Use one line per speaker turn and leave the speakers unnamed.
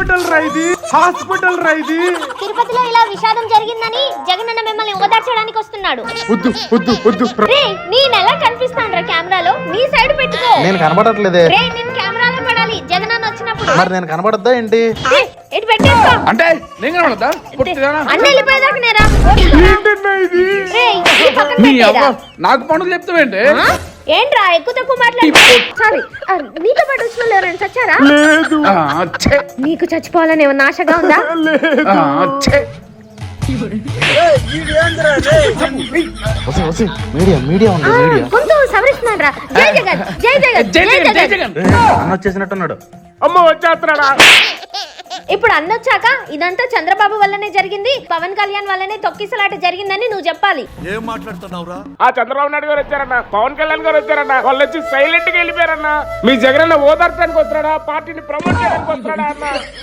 Hospital రైది.
తిరుపతిలో ఇలా విషాదం జరిగిందని జగనన్న మిమ్మల్ని ఓదార్చడానికి వస్తున్నాడు. నేను ఎలా కనిపిస్తాను కెమెరాలో? నీ సైడ్ పెట్టుకో.
నేను కనబడట్లేదే.
నేను కెమెరాలో పడాలి జగనన్న వచ్చినప్పుడు.
మరి నేను కనబడద్దా ఏంటి?
ఎటు పెట్టేసుకో.
అంటే నేను కనబడతా?
అన్న వెళ్ళిపోయేదాకా నేరా?
నాకు పనులు చెప్తావేంటి?
ఏంట్రా ఎక్కువ తక్కువ మాట్లాడి? సారీ, నీతో పాటు వచ్చిన వాళ్ళు ఎవరైనా చచ్చారా? నీకు చచ్చిపోవాలని ఏమన్నా ఆశగా ఉందా?
మీడియా ఉంది.
కొంచెం సవరిస్తున్నాడు రా. జై జగన్, జై జగన్, జై జగన్.
అన్న వచ్చేసినట్టున్నాడు.
అమ్మ వచ్చేస్తున్నాడా?
ఇప్పుడు అన్నొచ్చాక ఇదంతా చంద్రబాబు వల్లనే జరిగింది, పవన్ కళ్యాణ్ వల్లనే తొక్కిసలాట జరిగిందని నువ్వు చెప్పాలి.
ఏం మాట్లాడుతున్నావురా?
ఆ చంద్రబాబు నాయుడు గారు వచ్చారన్న, పవన్ కళ్యాణ్ గారు వచ్చారన్న, వాళ్ళు వచ్చి సైలెంట్ గా వెళ్ళిపోయారన్న. మీ జగన్ ఓదార్చడానికి వస్తున్నాడా, పార్టీని ప్రమోట్ చేయడానికి వస్తున్నాడా అన్న?